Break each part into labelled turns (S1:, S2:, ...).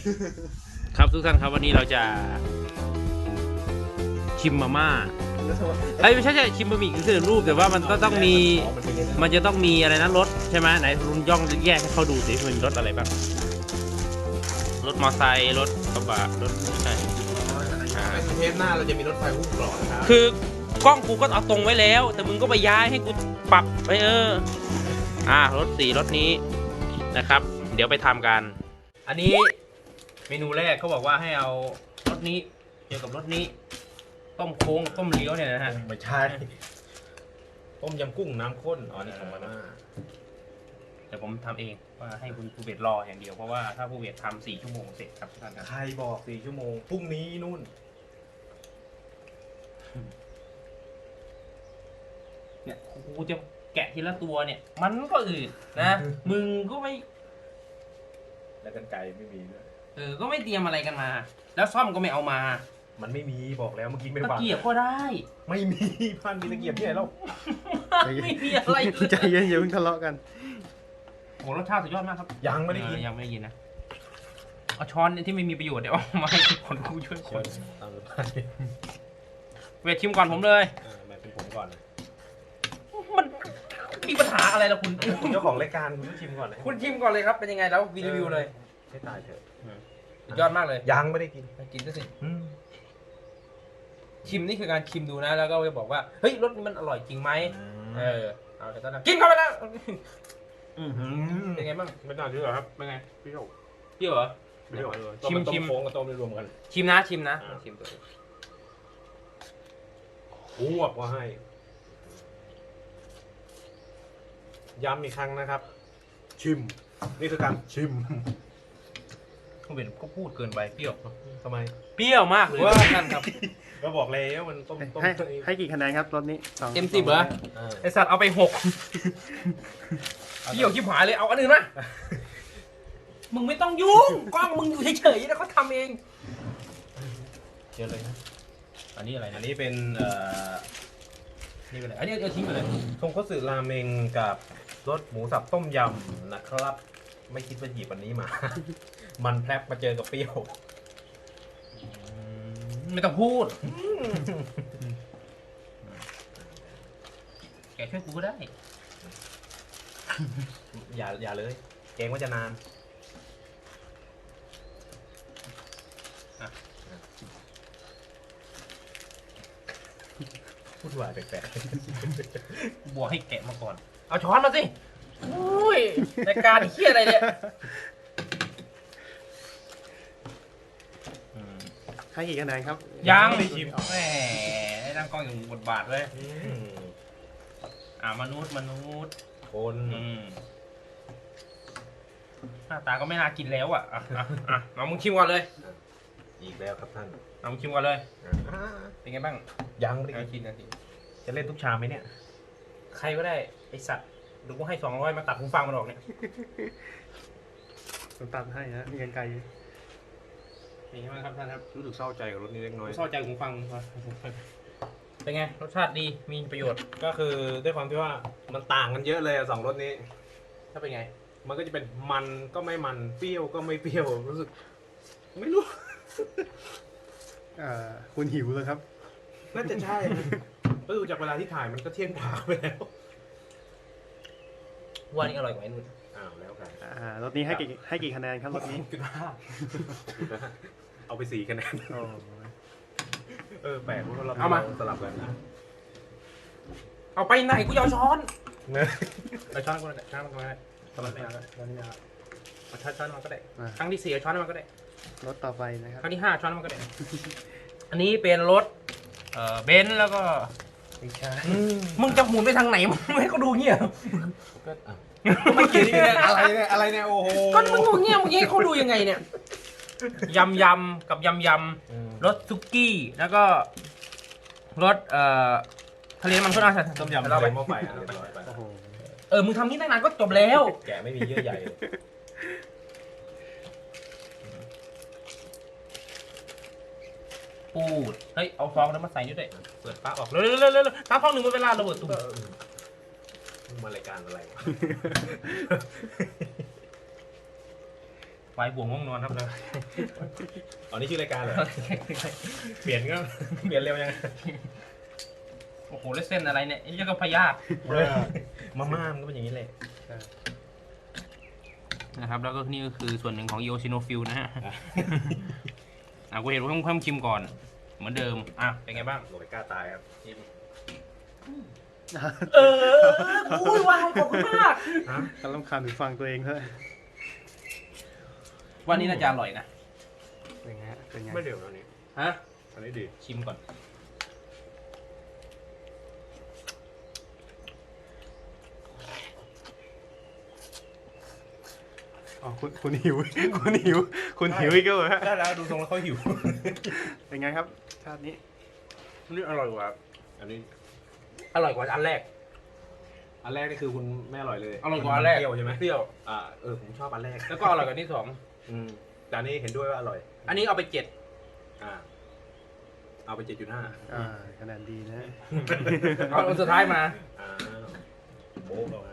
S1: ครับทุกท่านครับวันนี้เราจะชิมมาม่าไม่ใช่ชิมบะหมี่กึ่งสำเร็จรูปแต่ว่ามันก็ต้องมีมันจะต้องมีอะไรนะรถใช่ไหมไหนลุงย่องแยกให้เขาดูสิมันมีรถอะไรบ้างรถมอไซค์รถกระบะรถใช่
S2: เทปหน้าเราจะมีรถไฟหุ้มกรอบนะครับ
S1: คือกล้องกูก็เอาตรงไว้แล้วแต่มึงก็ไปย้ายให้กูปรับไปรถสีรถนี้นะครับเดี๋ยวไปทำกันอันนี้เมนูแรกเขาบอกว่าให้เอารถนี้เกี่ยวกับรถนี้ต้มโค้งต้มเลี้ยวเนี่ยนะฮะ
S2: ไม่ใช่ต้มยำกุ้งน้ำข้นอ๋อนี่ของมาม่า
S1: แต่ผมทำเองว่าให้คุณภูเบศรออย่างเดียวเพราะว่าถ้าภูเบศทำ4 ชั่วโมงเสร็จครับท่านครับ
S2: ใครบอก4 ชั่วโมงพรุ่งนี้นู่น
S1: เนี่ยกูจะแกะทีละตัวเนี่ยมันก็อืดนะมึงก็ไม่
S2: แล้วกันไก่ไม่มีด้วย
S1: ก็ไม่เตรียมอะไรกันมา แล้วซ่อมก็ไม่เอามา
S2: มันไม่มีบอกแล้วเมื่อกี้ไม่
S1: ตะ
S2: ฟัง
S1: เกียบก็ได้
S2: ไม่มีพันมีตะเกียบที่ไหนแล้ว
S1: ไม่มีอะไร
S3: ใจเย็นอย่าเพิ่งทะเลาะกัน
S1: โหรสชาติสุดยอดมากครับ
S2: ยังไม่ได้กิน
S1: ยังไม่ได้กินนะเอาช้อนที่ไม่มีประโยชน์เดี๋ยวเอามาให้คนกูช่วยคน
S2: ตามสบาย
S1: เวทชิมก่อนผมเลย
S2: มาเป็นผมก่อน
S1: มันมีปัญหาอะไรล่ะคุณ
S2: เจ้าของรายการคุณต้องชิมก่อนเลย
S1: คุณชิมก่อนเลยครับเป็นยังไงแล้วรีวิวเลย
S2: ให้ตายเถอะ
S1: ยอดมากเลย
S2: ยังไม่ได้กิน
S1: กินก็สิชิมนี่คือการชิมดูนะแล้วก็จะบอกว่าเฮ้ยรสมันอร่อยจริงไหมเอาแต่ตอนนั้นกินเข้าไปแล้วเป็นไงบ้าง
S2: ไม่น่าเชื่อครับเป็นไงเปรี้ยว
S1: เหรอ
S2: ชิมโค้งกับต้มรวมกัน
S1: ชิมนะชิมตัว
S2: อ้วกว่าให้ย้ำอีกครั้งนะครับชิมนี่คือการชิม
S1: คุณเป็นก็พูดเกินไปเปรี้ยว
S2: ทำไม
S1: เปรี้ยวมากเลยท่านครับ
S2: ก็บอกแล้วมันต้ม
S3: ให้กี่คะแนนครับรถนี้
S1: เต็ม10เหรอไอสัตว์เอาไป6เปรี้ยวชิบหายเลยเอาอันอื่นมามึงไม่ต้องยุ่งกล้องมึงอยู่เฉยๆแล้วเขาทำเอง
S2: เจอเลยนะ
S1: อันนี้อะไร
S2: อันนี้เป็น
S1: นี่เป็นอะไรอันนี้เอาทิ้งไปเลย
S2: ทงคัตสึราเมงกับรสหมูสับต้มยำนะครับไม่คิดว่าหยิบวันนี้มามันแพลบมาเจอกับเปรี้ยว
S1: ไม่ต้องพูดแกช่วยกูก็ได้
S2: อย่าเลยเกรงว่าจะนานพูดว่าแปลก
S1: ๆบัวให้แกะมาก่อนเอาช้อนมาสิอุ้ยรายการเฮี้ยอะไรเนี่ย
S3: ให้กี่คะแนนครับ
S1: ยังไม่ชิมแหมให้ตั้งกล้องอยู่บทบาทเลยมนุษย์
S2: คน
S1: หน้าตาก็ไม่น่ากินแล้วเอามึงชิมก่อนเลย
S2: อีกแล้วครับท่าน
S1: เอามึงชิมก่อนเลยเป็นไงบ้าง
S2: ยังไม่ได้
S1: กินนะที
S2: จะเล่นทุกชามไหมเนี่ย
S1: ใครก็ได้ไอสัตว์ดูกูให้200มาตัดหูฟังมันออกเนี่ย
S3: ผมตัดให้นะมีกันไกล
S1: เป็นไงบ้างครับท่านครับ
S2: รู้สึกเศร้าใจกับรถนี้เล็กน้อย
S1: เศร้าใจหูฟังเป็นไงรสชาติดีมีประโยชน์
S2: ก็คือด้วยความที่ว่ามันต่างกันเยอะเลย2 รสนี้
S1: ถ้าเป็นไง
S2: มันก็จะเป็นมันก็ไม่มันเปรี้ยวก็ไม่เปรี้ยวรู้สึกไม่รู้
S3: คุณหิวเลยครับ
S2: น่าจะใช่ก็ดูจากเวลาที่ถ่ายมันก็เที่ยงกว่าไปแล้ว
S1: ว่านี่อร่อยกว่าไอ้นุ่น
S2: แล้วกัน
S3: รถนี้ให้กี่คะแนนครับรถนี้
S2: เอาไป4 คะแนนแปลกเพราะเรา
S1: เอามา
S2: สลับกัน
S1: เอาไปไหนกูจะเอาช้อนเอาช้อนกูได้ช้อนกูได้
S3: สลับกัน
S1: เอาช้อนมาก็ได้ครั้งที่4เอาช้อนมาก็ได้
S3: รถต่อไปนะครับ
S1: ครั้งที่5ช้อนมาก็ได้อันนี้เป็นรถเบนซ์แล้วก็
S3: ไม่ใช่
S1: มึงจะหมุนไปทางไหนมึงไม่ให้เขาดูเงี้ย
S2: ไม่เกี่ยวนี่อะไรเนี่ยโอ้โห
S1: ก็มึงดูเงี้ยมึงให้เขาดูยังไงเนี่ยยำกับยำรสซุกี้แล้วก็รสทะเลมันข้นอา
S2: ต้มยำเราไปหม้อไฟ
S1: มึงทำนี่ตั้งนานก็จบแล้ว
S2: แกไม่มีเยื่อใย
S1: ปูดเฮ้ยเอาฟองแล้วมาใส่ด้วยเปิดฟ้าออกเร็วน้ำฟอง1 หมดเวลาระเบิดตุ้ม
S2: มารายการอะไร
S1: พควายบ่วงง่วงนอนครับเลย
S2: อ๋อนี่ชื่อรายการเหรอ เปลี่ยนก็ เปลี่ยนเร็วยัง
S1: โอ้โหแล้วเส้นอะไรเนี่ยไอ้เจ้าก็พยาธิ
S2: มาม่ามันก็เป็นอย่างนี้แหละ
S1: นะครับแล้วก็นี่ก็คือส่วนหนึ่งของโยชิโนฟิลนะฮะ กูเห็นว่าเพิ่มชิมก่อนเหมือนเดิมเป็นไงบ้าง
S2: โรยกล้าตายครับ
S1: อุ้ยวายขอบคุณมาก
S3: กำลังคานหูฟังตัวเองเลย
S1: วันนี้น่าจะอร่อยนะ
S3: เป็นไงฮะเป็นไง
S2: ไม่เร็วแล้วนี่
S1: ฮะ
S2: อันนี้ดี
S1: ชิมก่อน
S3: อ๋อคุณหิว คุณหิวอีกแล้วเหรอฮะ
S2: ได้แล้วดูทรงแล้วเขาหิว
S3: เป็นไงครับชาตินี้
S1: นี่อร่อยกว่า
S2: อันนี้
S1: อร่อยกว่าอันแรก
S2: อันแรกนี่คือคุณไม่อร่อยเลย
S1: อร่อยกว่าอันแรก
S2: เปรี้ยวใช่ไหม
S1: เปรี้ยว
S2: ผมชอบอันแรก
S1: แล้วก็อร่อยกว่าที่สอง
S2: แต่อันนี้เห็นด้วยว่าอร่อย
S1: อันนี้เอาไป
S2: อ่า เอาไป 7.5
S3: คะแนนดีนะ
S1: 7เอาอันสุดท้ายมา
S2: อ่าโบ๊ะเราให้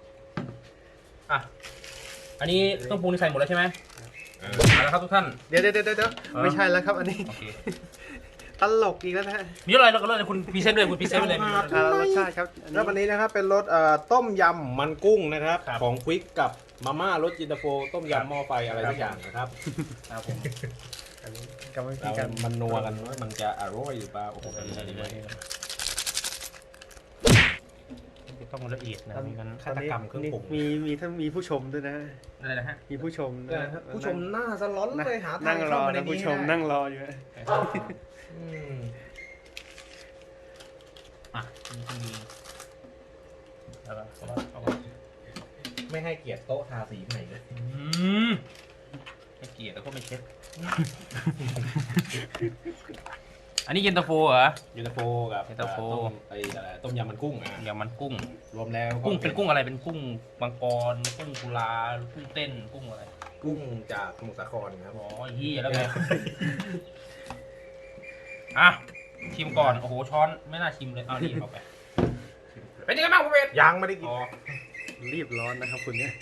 S1: อันนี้ต้องปรุงใส่หมดแล้วใช่ไหมเอาละครับทุกท่าน
S3: เดี๋ยวไม่ใช่แล้วครับอันนี้
S1: โอเค
S3: ตลกอีกแล้วนะฮะ
S1: มีอะไรเราก็เลยคุณพรีเซนต์เลยคุณพรีเซนต์ไปเลย
S3: รสชาติครับอัน
S2: แล้ววัน
S3: นี้
S2: นี้นะครับเป็นรสต้มยำมันกุ้งนะครับ
S1: ครับ
S2: ของควิกกับมาม่ารสจินตาโฟต้มยำหม้อไฟอะไรสักอย่างนะครับ
S1: ครับผม
S3: อันนี้กรรมวิธี
S2: เรา
S3: การ
S2: มันนัวกันว่ามันจะอร่อยหรือเปล่าโอ้โหอันนี้ดีมาก
S1: ต้องละเอียดนะมีกัน
S2: ฆาตกรรมเครื่องปรุง
S3: มีผู้ชมด้วยนะ
S1: อะไรนะฮะ
S3: มีผู้ชมนะ
S2: ผู้ชมหน้าสล้อนเลยหาทา
S3: นั่
S2: ง
S3: งร
S2: เข้า
S3: อ
S2: มาใน
S3: นะ
S2: นี้
S3: ผู้ชม
S2: ได้
S3: นั่งรออยู่ฮะ
S2: อืม
S1: เอาก่อน
S2: ไม่ให้เกียรติโต๊ะทาสีใหม่เลย
S1: ไม่เกลียดแล้วก็ไม่เช็ด อันนี้เย็นตาโฟเหรอ
S2: ยูนตาโฟกับ
S1: เย็นตาโฟ
S2: ต้มยำมันกุ้ง
S1: ยำมันกุ้ง
S2: รวมแล้ว
S1: กุ้งเป็นกุ้งอะไรเป็นกุ้งมังกรกุ้งกุลากุ้งเต้นกุ้งอะไร
S2: กุ้งจากสมุทรสาครครับ
S1: อ๋อเฮียแล้วไงชิมก่อนโอ้โหช้อนไม่น่าชิมเลยเอานี่เข้าไปเป็นยังไงบ้างคุณเวท
S2: ยังไม่ได้กิน
S1: อ๋อ
S3: รีบร้อนนะครับคุณเนี่ย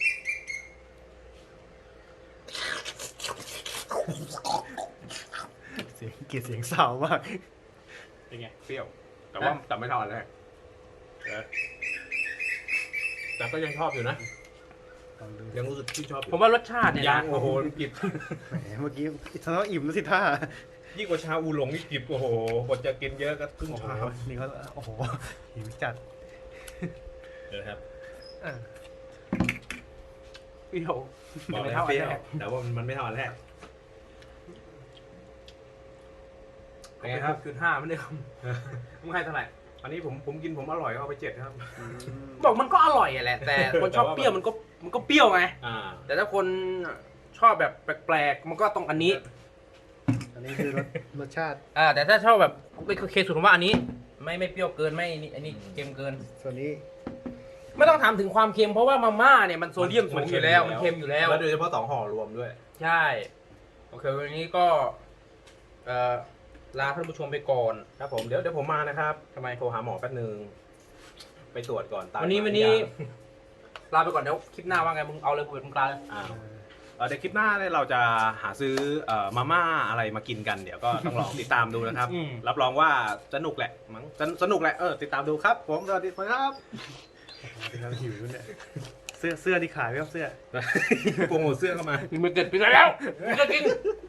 S3: เสียงเกลียดเสียงสาวมาก
S2: เป็นไงเปรี้ยวแต่ไม่เท่าอันแรกแต่ก็ยังชอบอยู่นะ
S3: ลองดู
S2: ยังรู้สึกที่ชอบอยู่
S1: ผมว่ารสชาติเนี่ย
S2: ยั
S1: นะ
S2: งโอ้โหกิบ
S3: แหมเมื่อกี้ทะเลาะอิ่มแล้วสิท่า
S2: ยิ่งกว่าชาอูหลงนี่กิบโอ้โหบทจะกินเยอะก็ครึ่ง
S3: โอ้โห
S2: ชาม
S3: นี่เขาโอ้โหหิวจัด
S2: นะครับ
S3: อ่ะ
S1: เปรี้ยว
S2: บอก
S1: ไม่
S2: แล้ว
S1: เท่า
S2: เป
S1: อัน
S2: รี้ยว
S1: แรก
S2: แต่ว่ามันไม่เท่าอันแรก
S1: เป็นไงครับ6.5ไม่ได้คำมึงให้เท่าไหร่
S2: อันนี้ผมกินผมอร่อยก็เอาไป7ครับ
S1: บอกมันก็อร่อยอะแหละ แต่คนชอบเปรี้ยวมันก็เปรี้ยวไง แต่ถ้าคนชอบแบบแปลกๆมันก็ต้องอันนี้
S3: อันนี้คือรสชาติ
S1: แต่ถ้าชอบแบบเคสุดผมว่าอันนี้ ไม่เปรี้ยวเกินไม่นี่อันนี้เค็มเกิน
S3: ส่วนนี้
S1: ไม่ต้องถามถึงความเค็มเพราะว่ามาม่าเนี่ยมันโซเดียมสูงอยู่แล้วมันเค็มอยู่แล้ว
S2: แล้วโดยเฉพาะ2ห่อรวมด้วย
S1: ใช่โอเควันนี้ก็ลาท่านผู้ชมไปก่อน
S2: ครับผมเดี๋ยวผมมานะครับ
S1: ทำไม
S2: โทรหาหมอแป๊บนึงไปตรวจก่อนตาม
S1: วันนี้ลาไปก่อนเดี๋ยวคลิปหน้าว่าไงมึงเอาเลยเปิดมึงกลาเลย
S2: เดี๋ยวคลิปหน้าเนี่ยเราจะหาซื้อมาม่าอะไรมากินกันเดี๋ยวก็ต้องลองติดตามดูนะครับ รับรองว่าสนุกแหละมั้งสนุกแหละติดตามดูครับผมสวัสดีครับ
S3: เป็นการหิวด้วยเนี่ยเสื้อที่ขายไหมครับเสื้อ
S2: โปรโมทเสื้อเข้ามา
S1: มึงเกิดไปแล้วมึงจะกิน